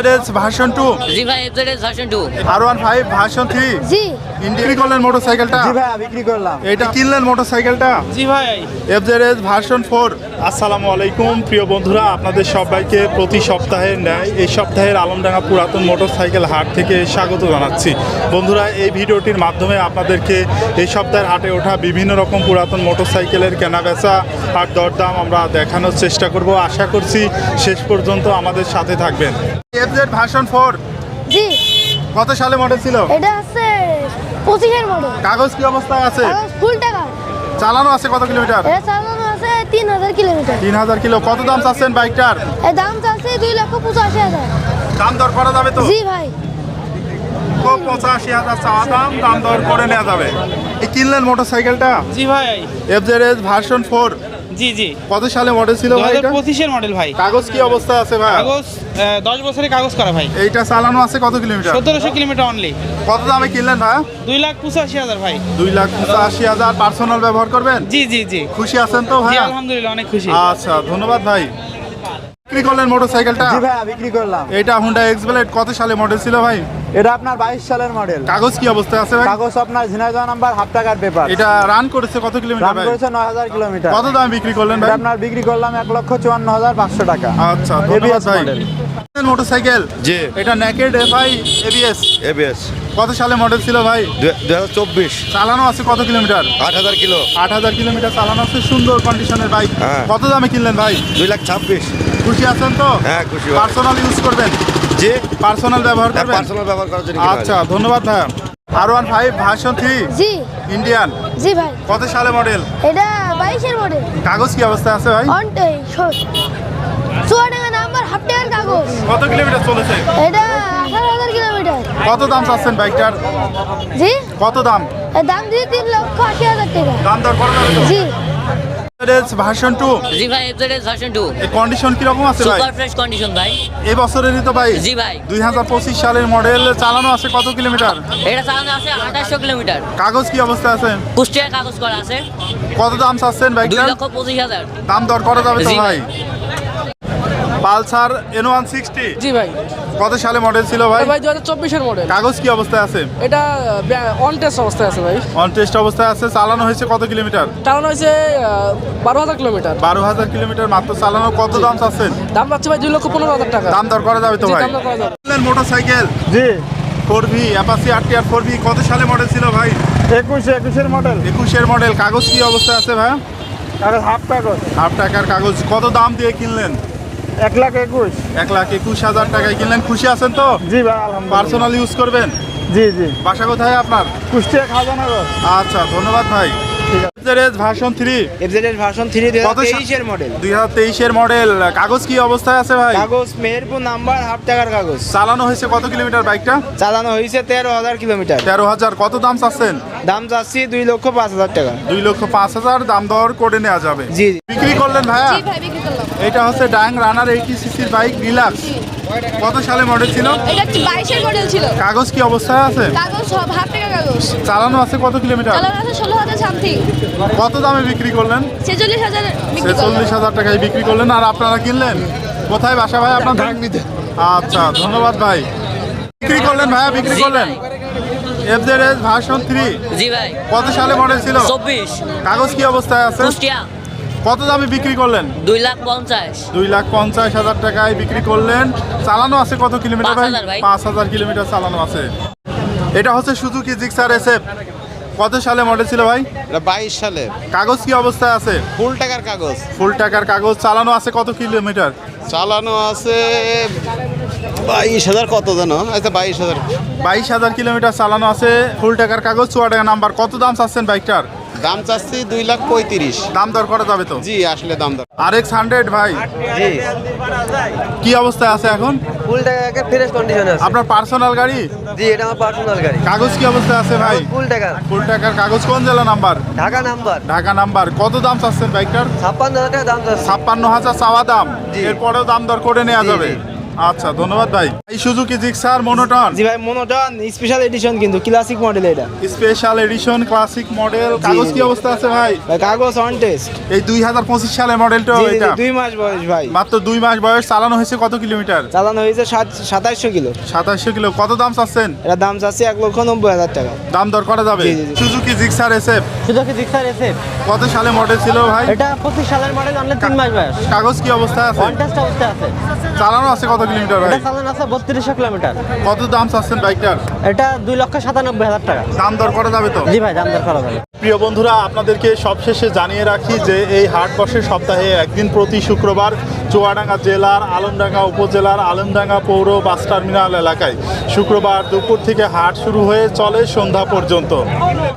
FZS version 2 জি ভাই FZS version 2 R15 version 3 জি বিক্রি করলেন মোটরসাইকেলটা? জি ভাই বিক্রি করলাম। এটা কিনলেন মোটরসাইকেলটা? জি ভাই এফজেডএস ভার্সন 4। আসসালামু আলাইকুম প্রিয় বন্ধুরা, আপনাদের সবাইকে প্রতি সপ্তাহের ন্যায় এই সপ্তাহের আলমডাঙ্গা পুরাতন মোটরসাইকেল হাট থেকে স্বাগত জানাচ্ছি। বন্ধুরা, এই ভিডিওটির মাধ্যমে আপনাদেরকে এই সপ্তাহের হাটে ওঠা বিভিন্ন রকম পুরাতন মোটরসাইকেলের কেনাবেচা আর দরদাম আমরা দেখানোর চেষ্টা করব। আশা করছি শেষ পর্যন্ত আমাদের সাথে থাকবেন। এফজেড ভার্সন 4 জি কত সালে মডেল ছিল? এটা আছে 25 এর মডেল। কাগজ কি অবস্থায় আছে? কাগজ ফুল টাকা। চালানো আছে কত কিলোমিটার? এটা চালানো আছে 3000 কিলোমিটার। 3000 কিলো। কত দাম চাচ্ছেন বাইকটার? এর দাম চাচ্ছে 2,85,000। দাম দর করা যাবে তো? জি ভাই 85,000 চাওয়া দাম, দাম দর করে নেওয়া যাবে। এই কিনলেন মোটরসাইকেলটা? জি ভাই এফজেডএস ভার্সন 4 জি জি কত সালে মডেল ছিল ভাই এটা? 2025 এর মডেল ভাই। কাগজ কি অবস্থায় আছে ভাই? কাগজ 10 বছরের কাগজ করা ভাই। এইটা চালানো আছে কত কিলোমিটার? 1700 kilometre only. কত দামে কিনলেন ভাই? 2,85,000 ভাই। 2,85,000। পার্সোনাল ব্যবহার করবেন? জি জি জি খুশি আছেন তো ভাই? জি আলহামদুলিল্লাহ অনেক খুশি। আচ্ছা, ধন্যবাদ ভাই। বিক্রি করলেন মোটরসাইকেলটা? জি ভাই বিক্রি করলাম। এটা হুন্ডা এক্সব্লেড কত সালে মডেল ছিল ভাই? এটা আপনার 22 সালের মডেল। কাগজ কি অবস্থায় আছে ভাই? কাগজ আপনার ঝিনাইদহ নাম্বার, হাফ টাকার পেপার। এটা রান করেছে কত কিলোমিটার দাম ভাই? করেছে 9000 কিলোমিটার। কত দামে বিক্রি করলেন ভাই? এটা আপনার বিক্রি করলাম 1,54,500 টাকা। আচ্ছা, ধন্যবাদ ABS ভাই। মডেল। মোটরসাইকেল জি এটা নেকেড এফআই এবিএস এবিএস কত সালে মডেল ছিল ভাই? 2024 চালানো আছে কত কিলোমিটার? 8000 কিলো 8000 কিলোমিটার চালানো আছে। সুন্দর কন্ডিশনের বাইক। হ্যাঁ। কত দামে কিনলেন ভাই? 2,26,000। খুশি আছেন তো? হ্যাঁ, খুশি ভাই। পার্সোনাল ইউজ করবেন? জি পার্সোনাল ব্যবহার করবেন? পার্সোনাল ব্যবহার করার জন্য কিনা আচ্ছা, ধন্যবাদ ভাই। R15 ভার্সন 3 জি ইন্ডিয়ান জি ভাই কত সালে মডেল? এটা 22 এর মডেল। কাগজ কি অবস্থায় আছে ভাই? অনটে চুয়াডাঙ্গা নাম্বার, হাফ টাকার কাগজ। কত কিলোমিটার চলেছে? এটা 18,000 কিলোমিটার। কত দাম চাচ্ছেন বাইকটার? জি কত দাম? এর দাম দিয়ে 3,80,000 টাকা। দাম দর করা যাবে তো? জি এফজেডএস ভার্সন 2 জি ভাই এফজেডএস ভার্সন 2 এই কন্ডিশন কি রকম আছে ভাই? সুপার ফ্রেশ কন্ডিশন ভাই। এই বছরেরই তো ভাই? জি ভাই 2025 সালের মডেল। চালানো আছে কত কিলোমিটার? এটা চালানো আছে 2800 কিলোমিটার। কাগজ কি অবস্থায় আছে? কুষ্টিয়া কাগজ করা আছে। কত দাম চাচ্ছেন বাইকটার? 2,25,000। দাম দর করা যাবে তো জি ভাই? পালসার N160 জি ভাই কত সালে মডেল ছিল ভাই? ভাই 2024 এর মডেল। কাগজ কি অবস্থায় আছে? এটা অন টেস্ট অবস্থায় আছে ভাই। অন টেস্ট অবস্থায় আছে। চালানো হয়েছে কত কিলোমিটার? চালানো হয়েছে 12,000 কিলোমিটার। 12,000 কিলোমিটার মাত্র চালানো। কত দাম চাচ্ছেন? দাম পাচ্ছে ভাই 2,15,000 টাকা। দাম দর করা যাবে তো জি, ভাই? দাম দর করা যাবে। মোটরসাইকেল জি 4V অ্যাপাচি RTR 4V কত সালে মডেল ছিল ভাই? 21 এর মডেল। 21 এর মডেল। কাগজ কি অবস্থায় আছে ভাই? কাগজ হাফ কাগজ। হাফ টাকার কাগজ। কত দাম দিয়ে কিনলেন? 1,21,000। 1,21,000 টাকায় কিনলেন। খুশি আছেন তো? জি ভাই আলহামদুলিল্লাহ। পার্সোনাল ইউজ করবেন? জি জি বাসা কোথায় আপনার? কুষ্টিয়া খাজানগর। আচ্ছা, ধন্যবাদ ভাই। এফজেডএস ভার্সন 3 এফজেডএস ভার্সন 3 কত 2023 এর মডেল। 2023 এর মডেল। কাগজ কি অবস্থায় আছে ভাই? কাগজ মেহেরপুর নাম্বার, হাফ টাকার কাগজ। চালানো হয়েছে কত কিলোমিটার বাইকটা? চালানো হয়েছে 13,000 কিলোমিটার। 13,000। কত দাম চাচ্ছেন? দাম চাচ্ছি 2,05,000 টাকা। 2,05,000। দাম দর করে নেওয়া যাবে। জি বিক্রি করলেন ভাইয়া? জি ভাই বিক্রি করলাম। এটা হচ্ছে ডাং রানার 80cc বাইক রিল্যাক্স। কত সালে মডেল ছিল? এটা 22 এর মডেল ছিল। কাগজ কি অবস্থায় আছে? কাগজ সব হাফ টাকা কাগজ। চালানো আছে কত কিলোমিটার? চালানো আছে 16,000 সামথিং। কত দামে বিক্রি করলেন? 46,000 বিক্রি করলাম। 46,000 টাকায় বিক্রি করলেন। আর আপনারা কিনলেন কোথায়? বাসা ভাই আপনার? আচ্ছা, ধন্যবাদ ভাই। বিক্রি করলেন ভাইয়া? বিক্রি জি করলেন। ভাই। এফজেডএস ভার্সন 3 জি ভাই কত সালে মডেল ছিল? 24 কাগজ কি অবস্থায় আছে? কুষ্টিয়া কত দামে বিক্রি করলেন? 2,50,000। 2,50,000 টাকায় বিক্রি করলেন। চালানো আছে কত কিলোমিটার ভাই? 5,000 ভাই। 5,000 কিলোমিটার চালানো আছে। এটা হচ্ছে সুজুকি জিক্সার SF। কত সালে মডেল ছিল ভাই? 22 সালে কাগজ কি অবস্থায় আছে? ফুল টাকার কাগজ। ফুল টাকার কাগজ। চালানো আছে কত কিলোমিটার? চালানো আছে 22,000 কত জানো? আচ্ছা 22,000। 22,000 কিলোমিটার চালানো আছে। ফুল টাকার কাগজ, চুয়াডাঙ্গা নাম্বার। কত দাম চাচ্ছেন বাইকটার? দাম চাচ্ছি 2,35,000। দাম দর করা যাবে তো? জি আসলে দাম দর। RX 100 ভাই জি কি অবস্থায় আছে এখন? ফুল টাকা ফ্রেশ কন্ডিশনে আছে। আপনার পার্সোনাল গাড়ি? জি এটা আমার পার্সোনাল গাড়ি। কাগজ কি অবস্থায় আছে ভাই? ফুল টাকা। ফুল টাকার কাগজ। কোন জেলা number? Dhaka number. Dhaka number. কত দাম চাচ্ছেন বাইকটার? 56,000 টাকা দাম চাচ্ছি। 56,000 চাওয়া দাম। জি। এরপরেও দাম দর করে নেওয়া জি, যাবে। জি। আচ্ছা ধন্যবাদ ভাই। এই সুজুকি জিক্সার মনোটন জি ভাই মনোটন স্পেশাল এডিশন কিন্তু ক্লাসিক মডেল এটা স্পেশাল এডিশন ক্লাসিক মডেল। কাগজ কি অবস্থা আছে ভাই? ভাই কাগজ অন টেস্ট এই 2025 সালের মডেলটা এটা 2 মাস বয়স ভাই মাত্র 2 মাস বয়স। চালানো হয়েছে কত কিলোমিটার? চালানো হয়েছে 2700 কিলো 2700 কিলো। কত দাম চাচ্ছেন? এটা দাম চাচ্ছি 1,90,000 টাকা দাম দর করা যাবে? জি, জি, জি। Suzuki Gixxer SF Suzuki Gixxer SF কত সালে মডেল ছিল ভাই? এটা 25 সালের মডেল, অনলি 3 মাস বয়স। কাগজ কি অবস্থায় আছে? অন টেস্ট অবস্থায় আছে। চালানো আছে কত কিলোমিটার ভাই? এটা চালানো আছে 3200 কিলোমিটার। কত দাম চাচ্ছেন বাইকটার? এটা 2,97,000 টাকা। দাম দর করা যাবে তো? জি ভাই, দাম দর করা যাবে। প্রিয় বন্ধুরা, আপনাদেরকে সবশেষে জানিয়ে রাখি যে এই হাট বসে সপ্তাহে একদিন প্রতি শুক্রবার চুয়াডাঙ্গা জেলার আলমডাঙ্গা উপজেলার আলমডাঙ্গা পৌর বাস টার্মিনাল এলাকায়। শুক্রবার দুপুর থেকে হাট শুরু হয়ে চলে সন্ধ্যা পর্যন্ত।